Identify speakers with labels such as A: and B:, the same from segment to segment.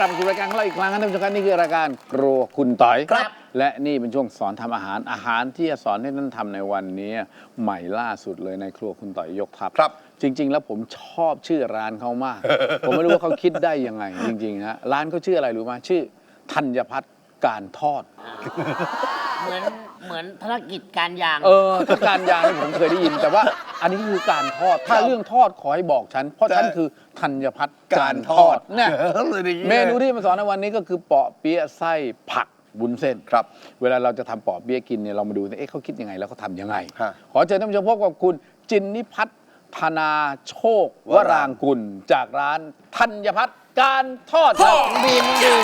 A: ลับมาสู่รายการของเราอีกครั้งนะท่านผู้ชมครับนี่คือรายการครัวคุณต่อย
B: ครับ
A: และนี่เป็นช่วงสอนทำอาหารที่จะสอนให้ท่านทำในวันนี้ใหม่ล่าสุดเลยในครัวคุณต่อยยกทัพ
B: ครับ
A: จริง ๆ แล้วผมชอบชื่อร้านเขามาก ผมไม่รู้ว่าเขาคิดได้ยังไงจริงๆฮะร้านเขาชื่ออะไรรู้ไหมชื่อธัญพัฒน์การทอด
C: เหมือนธุรกิจการยาง
A: ถ้าการยางนี่ผมเคยได้ยิน แต่ว่าอันนี้คือการทอด ถ้าเรื่องทอดขอให้บอกฉัน เพราะฉันคือธัญพัฒน์การทอดเนี่ยเมนูที่มาสอนในวันนี้ก็คือเปาะเปี๊ยะไส้ผักวุ้นเส้น
B: ครับ
A: เวลาเราจะทำเปาะเปี๊ยะกินเนี่ยเรามาดูเอ๊ะเขาคิดยังไงแล้วเขาทำยังไง
B: ฮะ
A: ขอเชิญท่านผู้ชมพบกับคุณจินนิพัฒน์ธนาโชควรางกุลจากร้านธัญพัฒน์การทอดครับบีมนี่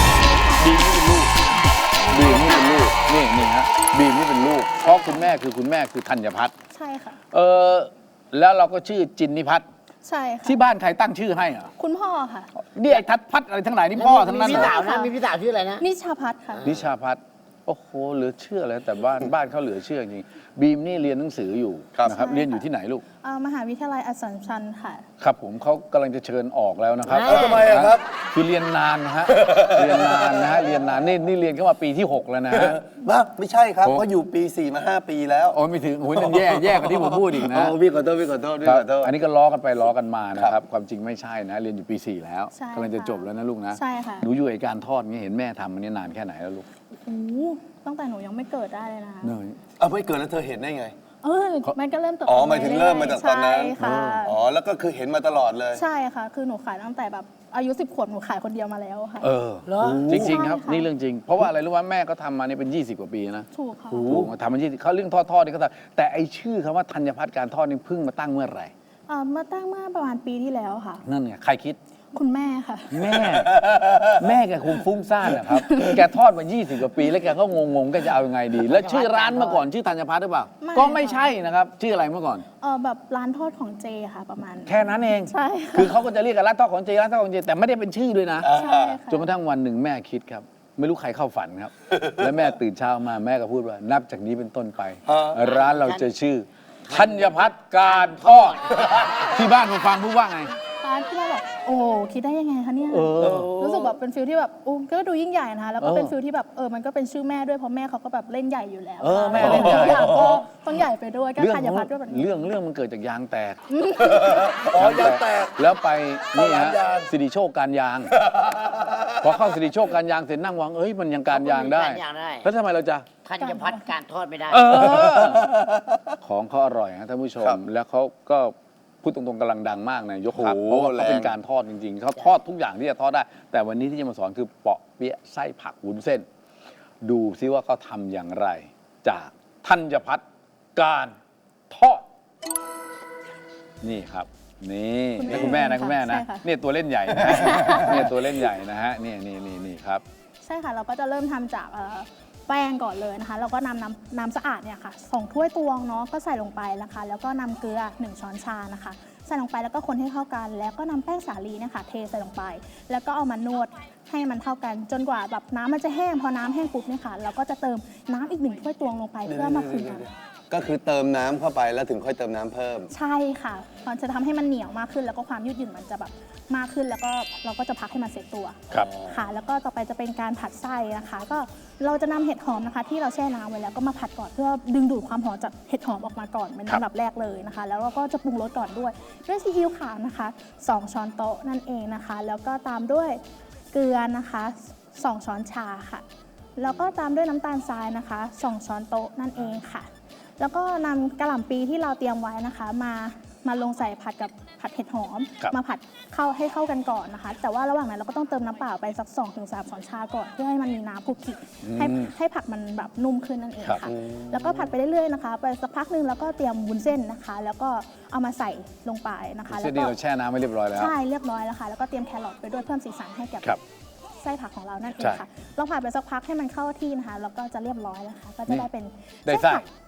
A: เป็นลูกนี่ฮะบีมนี่เป็นลูกเพราะคุณแม่คือธัญพัฒน์
D: ใช่ค่ะ
A: แล้วเราก็ชื่อจินนิพัฒน์
D: ใช่ค่ะ
A: ที่บ้านใครตั้งชื่อให้อ่ะ
D: คุณพ่อค่ะ
A: นี่ไอ้ทัดพัฒน์อะไรทั้งหลายนี่พ่อทั้งนั้น
C: มี
A: เหร
C: พี่
A: อ
C: สาวนะมีพี่สาวชื่ออะไรนะ
D: นิชาพัฒน์ค่ะ
A: นิชาพัฒน์โอ้โหเหลือเชื่อเลยแต่บ้านเขาเหลือเชื่อจริงบีมนี่เรียนหนังสืออยู่
B: ครับ
A: นะครับ
D: ใช่ค่ะ
A: เรียนอยู่ที่ไหนลูก
D: มหาวิทยาลัยอัสสัมชัญค่ะ
A: ครับผมเขากำลังจะเชิญออกแล้วนะครับ
C: เอ้าทำไมอะครับ
A: คือเรียนนานนะฮะเรียนนานนะฮะเรียนนานนี่เรียนเข้ามาปีที่ 6 แล้วนะฮะ
B: ว่าไม่ใช่ครับ
A: โอ้
B: เพราะอยู่ปี 4 มา 5 ปีแล้ว
A: โอ้ยไม่ถึงโอ้ยนั่นแย่กว่าที่ผมพูดอีกนะ
B: อ๋อพี่ขอโทษพี่ขอโทษพี่
A: ครับ
B: ขอโทษ
A: อันนี้ก็ล้อกันไปล้อกันมานะครับ ความจริงไม่ใช่นะ เรียนอยู่ปี 4 แล้ว
D: ใช่
A: กำลังจะ
D: ค่ะ
A: จบแล้วนะลูกนะ
D: ใช่ค่ะ
A: หนูอยู่ไอการทอดเงี้ยเห็นแม่ทำมันนี่นานแค่ไหนแล้วลูก
D: โอ้โหตั้งแต่หนูยังไม่เกิดได้เลยนะคะ
A: เนย
B: เอาไม่เกิดแล้วเธอเห็นได้ไง
D: มันก็เริ่มเติบโต
B: อ๋อหมายถึงเริ่มมาจากตอนนั้น
D: ใช่ค่ะ
B: อ๋อแล้วก็คือเห็นมาตลอดเลย
D: ใช่ค่ะ คือหนูขายตั้งแต่แบบอายุ10 ขวบหนูขายคนเดียวมาแล้วค่ะ
C: เหรอ
A: จริงๆครับ
D: ใช่ค่ะ
A: นี่เรื่องจริง เพราะว่าอะไรรู้ว่าแม่ก็ทำมานี่เป็น 20 กว่าปีนะ
D: ถูกค่ะ
A: ถูกมาทำมา20เขาเรื่องทอดนี่ก็ทำแต่ไอชื่อคำว่าธัญพัฒน์การทอดนี่เพิ่งมาตั้งเมื่อไหร่
D: มาตั้งเมื่อประมาณปีที่แล้วค่ะ
A: นั่นไงใครคิด
D: คุณแม่ค่ะ
A: แม่แกคงฟุ้งซ่านนะครับ แกทอดมา 20 กว่าปี แล้วแกก็งงๆแกจะเอายังไงดี แล้วชื่อร้านเมื่อก่อนชื่อธัญพัฒน์หรือเปล่า
D: ไม่
A: ก็ไม่ใช่นะครับ ชื่ออะไรเมื่อก่อน
D: แบบร้านทอดของเจค่ะประมาณ
A: แค่นั้นเอง
D: ใช่ค่ะ
A: คือเขาก็จะเรียกกันร้านทอดของเจร้านทอดของเจแต่ไม่ได้เป็นชื่อด้วยนะ
D: ใช่ค่ะ
A: จนกระทั่งวันหนึ่งแม่คิดครับ ไม่รู้ใครเข้าฝันครับ แล้วแม่ตื่นเช้ามาแม่ก็พูดว่านับจากนี้เป็นต้นไป ร้านเราจะชื่อธัญพัฒน์การทอด ที่บ้านผมฟังพูดว่าไง
D: ร้านที่เราแบบโอ้คิดได้ยังไงคะเนี่ย รู้สึกแบบเป็นฟิลที่แบบก็ดูยิ่งใหญ่นะคะแล้วก็เป็นฟิลที่แบบมันก็เป็นชื่อแม่ด้วยเพราะแม่เขาก็แบบเล่นใหญ่อยู่แล้ว
A: แม่เล่นใหญ่
D: ทุกอย่างก็ต้องใหญ่ไปด้วยก็
A: เรื่อง
D: ธัญพัฒน์ด้วยแบบนี้
A: เรื่องมันเกิดจากยางแตก
B: อ๋อยางแตก
A: แล้วไปนี่
B: เข้าร้า
A: ฮะ
B: นยาง
A: สิริโชคการยาง พอเข้าสิริโชคการยางเสร็จนั่งวางมันยังการยางได้
C: การยางได้
A: แล้วทำไมเราจะ
C: ธัญพัฒน์การทอดไม่ได้
A: ของเขาอร่อยนะท่านผู้ช
B: ครั
A: ม
B: บ
A: แล้วเขาก็พูดตรงๆกำลังดังมากนะยกทัพ
B: โอ้โห
A: เพราะว่าเขาเป็น
B: แรง
A: การทอดจริงๆเขาทอดทุกอย่างที่จะทอดได้ แต่วันนี้ที่จะมาสอนคือเปาะเปี๊ยะไส้ผักวุ้นเส้น ดูซิว่าเขาทำอย่างไร จากธัญพัฒน์การทอด นี่ครับ นี่นี่คุณแม่นะคุณแม่นะ
D: ใช่ค่ะ
A: เนี่ยตัวเล่นใหญ่นะเนี่ยตัวเล่นใหญ่นะฮะนี่ครับ
D: ใช่ค่ะเราก็จะเริ่มทำจากแป้งก่อนเลยนะคะแล้วก็นำน้ำสะอาดเนี่ยค่ะ2 ถ้วยตวงเนาะก็ใส่ลงไปนะคะ แล้วก็นำเกลือ1 ช้อนชานะคะใส่ลงไปแล้วก็คนให้เข้ากัน แล้วก็นำแป้งสาลีเนี่ยค่ะเทใส่ลงไป แล้วก็เอามานวดให้มันเท่ากัน จนกว่าแบบน้ำมันจะแห้งพอน้ำแห้งปุ๊บเนี่ยค่ะเราก็จะเติมน้ำอีก1 ถ้วยตวงลงไปเพื่อมาคลึงกัน
B: ก็คือเติมน้ำเข้าไปแล้วถึงค่อยเติมน้ำเพิ่ม
D: ใช่ค่ะมันจะทำให้มันเหนียวมากขึ้น แล้วก็ความยืดหยุ่นมันจะแบบมากขึ้นแล้วก็เราก็จะพักให้มันเสร็จตัว
A: ครับ
D: ค่ะ แล้วก็ต่อไปจะเป็นการผัดไส้นะคะ ก็เราจะนำเห็ดหอมนะคะ ที่เราแช่น้ำไว้แล้วก็มาผัดก่อนเพื่อดึงดูดความหอมจากเห็ดหอมออกมาก่อนเป็น
A: ครับ
D: ลำดับแรกเลยนะคะ แล้วเราก็จะปรุงรสก่อนด้วยซีอิ๊วขาวนะคะ2 ช้อนโต๊ะนั่นเองนะคะ แล้วก็ตามด้วยเกลือนะคะ2 ช้อนชาค่ะ แล้วก็ตามด้วยน้ำตาลทรายนะคะ2 ช้อนโต๊ะนั่นเองค่ะ แล้วก็นำกระหล่ำปีที่เราเตรียมไว้นะคะมาลงใส่ผัดกับผัดเห็ดหอม
A: ครับ
D: มาผัดให้เข้ากันก่อนนะคะ แต่ว่าระหว่างนั้นเราก็ต้องเติมน้ำเปล่าไปสัก 2-3 ช้อนชาก่อนเพื่อให้มันมีน้ำคลุกคลิกให้ผักมันแบบนุ่มขึ้นนั่นเอง
A: ครับ
D: ค่ะ แล้วก็ผัดไปเรื่อยๆนะคะ ไปสักพักหนึงแล้วก็เตรียมวุ้นเส้นนะคะ แล้วก็เอามาใส่ลงไปนะคะ
A: เส้น
D: แล้ว
A: นี้
D: ก็
A: เราแช่น้ำไว้เรียบร้อยแล้ว
D: ใช่เรียบร้อยแล้วค่ะแล้วก็เตรียมแครอทไปด้วยเพิ่มสีสันให้กับ
A: ครับ
D: ไส้ผักของเรานั่นเอ
A: ใช่
D: งค่ะเราผัดไปสักพักให้มันเข้าที่นะคะแล้วก็จะเรียบร้อยแล้วค่ะก็จะได้เป็น
A: ได้ไส้
D: ผัก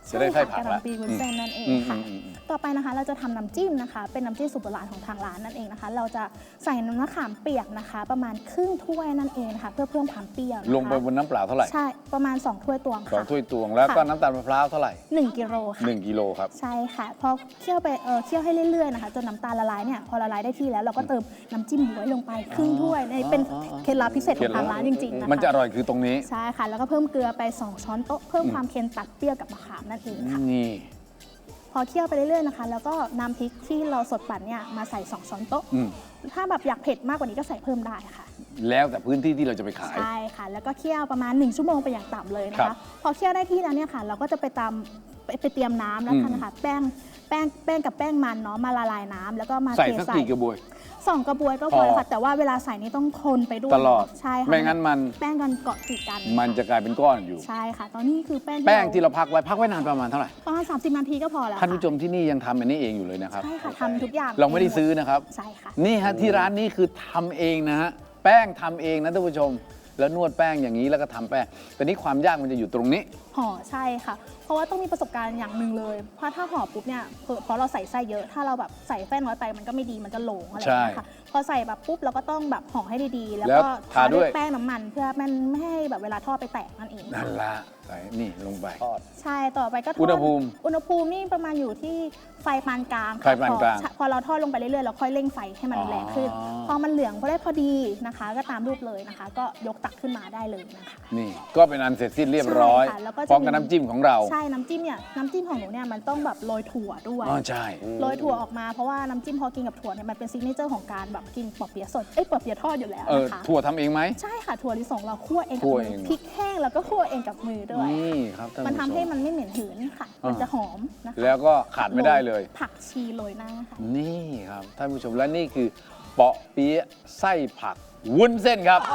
A: จะได้ไส้ผัก
D: กะห
A: ละ
D: ล่ำปีวุ้นเส้นนั่นเองค่ะ ต่อไปนะคะเราจะทำน้ำจิ้มนะคะ เป็นน้ำจิ้มสูตรโบราณของทางร้านนั่นเองนะคะ เราจะใส่น้ำมะขามเปียกนะคะ ประมาณครึ่งถ้วยนั่นเองนะคะเพื่อเพิ่มความเปรี้ยวนะคะ
A: ลงไปบนน้ำเปล่าเท่าไหร่
D: ใช่ประมาณ2ถ้วยตวง
A: สอง
D: ค่ะ
A: ถ้วยตวงแล้วก็น้ำตาลมะพร้าวเท่าไหร่
D: 1 กิโลค่ะ
A: 1 กิโลครับ
D: ใช่ค่ะพอเคี่ยวไปเคี่ยวให้เรื่อยๆนะคะจนน้ำตาลละลายเนี่ยพอละลายได้ที่แล้วเราก็เติมน้ำจิ้มบ๊วยลงไปครึ่งถ้วยในเป็นเคล็ดลับพิเศษของทางร้านจริงๆนะคะ
A: มันจะอร่อยคือตรงนี้
D: ใช่ค่ะ แล้วก็เพิ่มเกลือไป 2 ช้อนโต๊ะเพิ่มความเค็มตัดเปรี้ยวกับมะขามนั่นเองค่ะ
A: นี่
D: พอเคี่ยวไปเรื่อยๆนะคะ แล้วก็นำพริกที่เราสดปั่นเนี่ยมาใส่ 2 ช้อนโต๊ะ
A: อืม
D: ถ้าแบบอยากเผ็ดมากกว่านี้ก็ใส่เพิ่มได้ค่ะ
A: แล้วแต่พื้นที่ที่เราจะไปขาย
D: ใช่ค่ะ แล้วก็เคี่ยวประมาณ1 ชั่วโมงเป็นอย่างต่ำเลยนะ
A: ครั
D: คะ
A: บ
D: พอเคี่ยวได้ที่แล้วเนี่ยค่ะ เราก็จะไปเตรียมน้ำแล้วกันนะคะแป้งกับแป้งมันเนาะมาละลายน้ำแล้วก็มา
A: ใส่
D: เท
A: สัก
D: ใส่
A: กี่กระบวย
D: 2 กระบวยก็พอแล้วค่ะ แต่ว่าเวลาใส่นี่ต้องคนไปด้วย
A: ตลอด
D: ใช่ค่ะ
A: ไม่งั้นมัน
D: แป้งกันเกาะติดกัน
A: มันจะกลายเป็นก้อนอยู่
D: ใช่ค่ะ ตอนนี้คือแป้ง
A: แป้งที่เราพักไว้นานประมาณเท่าไหร่
D: ประมาณ30 นาทีก็พอแล้ว
A: ท่านผู้ช
D: ค่ะ
A: มที่นี่ยังทำอันนี้เองอยู่เลยนะครับ
D: ใช่ค่ะทำทุกอย่าง
A: เราไม่ได้ซื้อนะครับ
D: ใช่ค่ะ
A: นี่ฮะที่ร้านนี้คือทำเองนะฮะแป้งทำเองนะท่านผู้ชม แล้วนวดแป้งอย่างนี้แล้วก็ทำแป้งแต่นี้ความยากมันจะอยู่ตรงนี้
D: ห่อใช่ค่ะ เพราะว่าต้องมีประสบการณ์อย่างหนึ่งเลย เพราะถ้าห่อปุ๊บเนี่ยเพราะเราใส่ไส้เยอะ ถ้าเราแบบใส่แป้งน้อยไปมันก็ไม่ดีมันจะโหลงอะไรอย่างเงี้ยค่ะ พอใส่แบบปุ๊บเราก็ต้องแบบห่อให้ดีๆ แล้ว
A: แล้ว
D: ก็
A: ทาด้วย
D: แป้งน้ำมัน เพื่อมันไม่ให้แบบเวลาทอดไปแตกนั่นเอง
A: นั่นละใส่นี่ลงไป
D: ใช่ต่อไปก็ทอด
A: อุณหภูมิ
D: อุณหภูมินี่ประมาณอยู่ที่ไฟปานกลางค่ะ
A: ไฟปานกลาง
D: พอเราทอดลงไปเรื่อยๆเราค่อยเร่งไฟให้มันแรงขึ้น พอมันเหลืองพอได้พอดีนะคะ ก็ตามรูปเลยนะคะ ก็ยกตักขึ้นมาได้เลยนะคะ
A: นี่ก็เป็นอันเสร็จสิ้นเรียบร้อย
D: ใช่ค่ะแล้วก็จะ
A: พร้อมกับน้ำจิ้มของเรา
D: ใช่น้ำจิ้มเนี่ยน้ำจิ้มของหนูเนี่ยมันต้องแบบโรยถั่วด้วย
A: อ๋อใช่
D: โรยถั่วออกมาเพราะว่าน้ำจิ้มพอกินกับถั่วเนี่ยมันเป็นซิกเนเจอร์ของการแบบกินปอเปี๊ยะสดปอเปี๊ยะทอดอยู่แล้วนะคะ
A: ถั่วทำเองไหม
D: ใช่ค่ะถั่วลิสงเราคั่วเองกับ
A: คั่ว
D: มื
A: เอง
D: อพริกแห้งแล้วก็คั่วเองกับมือด้วย
A: นี่ครับท่าน
D: มัน
A: ผู้
D: ทำ
A: ช
D: ให้
A: ม
D: มันไม่เหม็นหืนค่ะ
A: อ่ามั
D: มันจะหอมนะคะ
A: แล้วก็ขาดไม่ได้เลย
D: ผักชีโรยหน้าค่ะ
A: นี่ครับท่านผู้ชมและนี่คือเปาะเปี๊ยะไส้ผักวุ้นเส้นครับ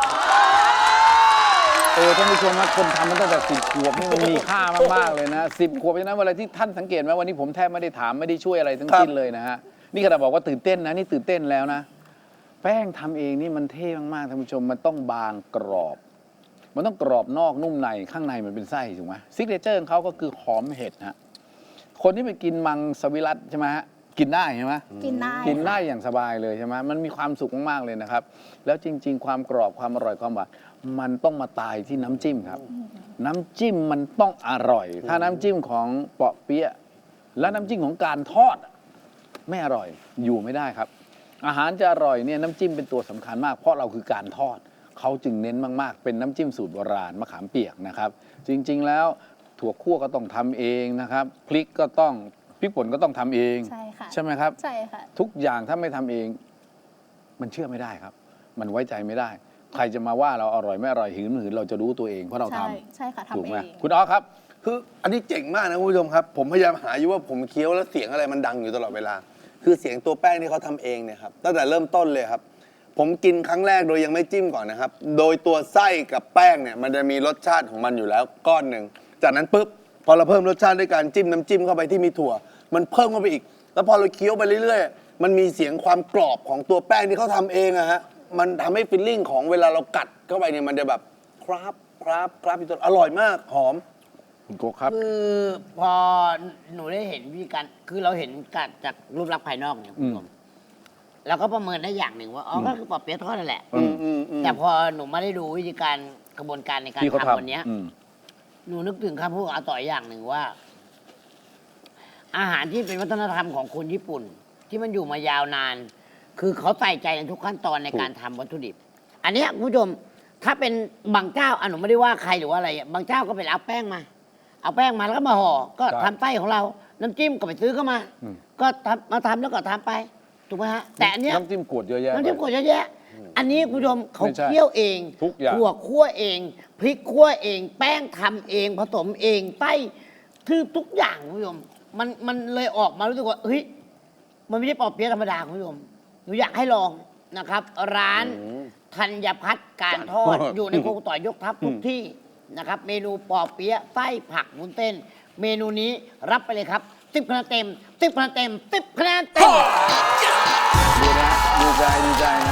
A: ท่านผู้ชมนะคนทำมันตั้งแต่10 ขวบนี่มันมีค่ามากๆเลยนะ10 ขวบเพราะฉะนั้นเวลาที่ท่านสังเกตไหมวันนี้ผมแทบไม่ได้ถามไม่ได้ช่วยอะไรทั้งสิ้นเลยนะฮะนี่ขนาดบอกว่าตื่นเต้นนะนี่ตื่นเต้นแล้วนะแป้งทำเองนี่มันเท่มากๆท่านผู้ชมมันต้องบางกรอบ มันต้องกรอบนอกนุ่มในข้างในมันเป็นไส้ถูกไหมซิกเนเจอร์ของเขาก็คือหอมเห็ดฮะคนที่ไปกินมังสวิรัตใช่ไหมฮะกินได้ใช่ไหม
D: กินได้
A: กินได้อย่างสบายเลยใช่ไหมมันมีความสุขมากๆเลยนะครับ แล้วจริง ๆ ความกรอบความอร่อยความหวานมันต้องมาตายที่น้ำจิ้มครับ น้ำจิ้มมันต้องอร่อย ถ้าน้ำจิ้มของเปาะเปี๊ยะและน้ำจิ้มของการทอดไม่อร่อยอยู่ไม่ได้ครับ อาหารจะอร่อยเนี่ยน้ำจิ้มเป็นตัวสำคัญมาก เพราะเราคือการทอดเขาจึงเน้นมากๆ เป็นน้ำจิ้มสูตรโบราณมะขามเปียกนะครับ จริงๆแล้วถั่วคั่วก็ต้องทำเองนะครับพริกป่นก็ต้องทำเอง
D: ใช่ค่ะ
A: ใช่ไหมครับ
D: ใช่ค่ะ
A: ทุกอย่างถ้าไม่ทำเอง มันเชื่อไม่ได้ครับ มันไว้ใจไม่ได้ ใครจะมาว่าเราอร่อยไม่อร่อยหืนไม่หืนเราจะรู้ตัวเองเพราะเราท
D: ใช่ค่ะ
A: ำ
D: ทำ
A: ถูก
D: เอ
A: ไหม
D: ง
A: คุณอ๋อครับ
B: คืออันนี้เจ๋งมากนะคุณผู้ชมครับ ผมพยายามหาอยู่ว่าผมเคี้ยวแล้วเสียงอะไรมันดังอยู่ตลอดเวลา คือเสียงตัวแป้งที่เขาทำเองเนี่ยครับตั้งแต่เริ่มต้นเลยครับ ผมกินครั้งแรกโดยยังไม่จิ้มก่อนนะครับ โดยตัวไส้กับแป้งเนี่ยมันจะมีรสชาติของมันอยู่แล้วก้อนหนึ่งจากนั้นปุ๊บพอเราเพิ่มรสชาติด้วยการจิ้มน้ำจิ้มเข้าไปที่มีถั่ว มันเพิ่มเข้าไปอีก แล้วพอเราเคี้ยวไปเรื่อยๆมันมีเสียงความกรอบของตัวแป้งที่เขาทำเองอะฮะมันทำให้ฟีลลิ่งของเวลาเรากัดเข้าไปเนี่ยมันจะแบบครับอยู่ตลอดอร่อยมากหอม
A: คุณโกครับ
C: คือพอหนูได้เห็นวิธีการคือเราเห็นการจากรูปลักษณ์ภายนอกเนี่ยคุณผู้ชมเราก็ประเมินได้อย่างหนึ่งว่าอ๋อก็คือปอเปี๊ยะทอดนั่นแหละ แต่พอหนูไม่ได้ดูวิธีการกระบวนการในการ
A: ที่เขา
C: ทำวันเนี้ย
A: ทำอืม
C: หนูนึกถึงคำพูดของอาต่อยอย่างหนึ่งว่า อาหารที่เป็นวัฒนธรรมของคนญี่ปุ่น ที่มันอยู่มายาวนาน คือเขาใส่ใจในทุกขั้นตอนในการทำวัตถุดิบ อันเนี้ยคุณผู้ชมถ้าเป็นบางเจ้าหนูไม่ได้ว่าใครหรือว่าอะไรบางเจ้าก็ไปเอาแป้งมาแล้วก็มาห่อก็
A: ครับ
C: ทำไส้ของเรา น้ำจิ้มก็ไปซื้อเข้ามา
A: อืม
C: ก็ทำแล้วก็ทำไปถูกไหมฮะแต่อันเนี้ย
A: น้ำจิ้มขวดเยอะแยะ
C: น้ำจิ้มขวดเยอะแยะ อันนี้คุณผู้ชมเขา
A: ไม่ใช่
C: เคี่ยวเอง
A: ทุกอย่าง
C: ถั่วคั่วเอง พริกคั่วเอง แป้งทำเอง ผสมเองไส้คือทุกอย่างคุณผู้ชมมันเลยออกมารู้สึกว่าเฮ้ยมันไม่ใช่ปอเปี๊ยะธรรมดาคุณผู้ชมหนูอยากให้ลองนะครับ ร้านธัญพัฒน์การทอด อยู่ในโครงต่อยยกทัพทุกที่นะครับ เมนูปอเปี๊ยะไส้ผักวุ้นเส้น เมนูนี้รับไปเลยครับ10 คะแนนเต็ม10 คะแนนเต็ม10 คะแนนเต็ม
A: ดูนะดีใจนะ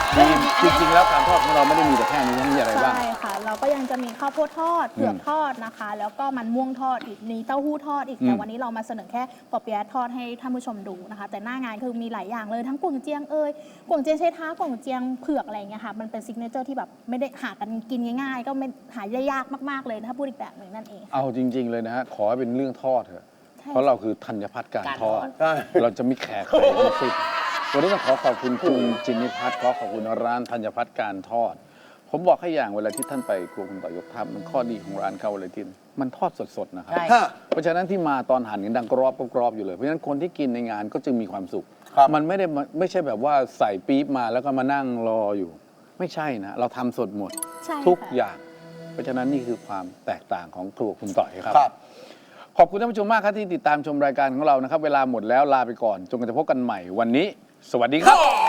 A: จริงๆแล้วการทอดของเราไม่ได้มีแต่แค่นี้มีอะไรบ้าง
D: ใช่ค่ะ เราก็ยังจะมีข้าวโพดทอดเผือกทอดนะคะ แล้วก็มันม่วงทอดอีกมีเต้าหู้ทอดอีกแต่วันนี้เรามาเสนอแค่ปอเปี๊ยะทอดให้ท่านผู้ชมดูนะคะ แต่หน้างานคือมีหลายอย่างเลยทั้งกวงเจียงกวงเจียงใช้เท้ากวงเจียงเผือกอะไรอย่างเงี้ยค่ะมันเป็นซิกเนเจอร์ที่แบบไม่ได้หากันกินง่ายๆ ก็ไม่หายยากมากๆเลยถ้าพูดอีกแบบหนึ่งนั่นเอง
A: เอาจริง ๆ เลยนะฮะ ขอให้เป็นเรื่องทอดเถอะ
D: ใช่
A: เพราะเราคือธัญพัฒน์การทอด
B: ใช่
A: เราจะมีแขกใครทั้งสิ้นวันนี้ต้องขอขอบคุณคุณจินนิพัฒน์ขอขอบคุณร้านธัญพัฒน์การทอด ผมบอกให้อย่างเวลาที่ท่านไปครัวคุณต่อยกทัพมันข้อดีของร้านเขาเลยที่มันทอดสดๆนะครับ
C: ใช่
B: ฮะ
A: เพราะฉะนั้นที่มาตอนหั่นกันดังกรอบอยู่เลย เพราะฉะนั้นคนที่กินในงานก็จึงมีความสุข
B: ครับ
A: มันไม่ใช่แบบว่าใส่ปี๊บมาแล้วก็มานั่งรออยู่ ไม่ใช่นะ เราทำสดหมด
D: ใช่
A: ทุก
D: ค่ะ
A: อย่าง เพราะฉะนั้นนี่คือความแตกต่างของครัวคุณต่อยครับ
B: ครับ
A: ขอบคุณท่านผู้ชมมากครับที่ติดตามชมรายการของเรานะครับ เวลาหมดแล้วลาไปก่อนจนกว่าจะพบกันใหม่วันนี้ สวัสดีครับ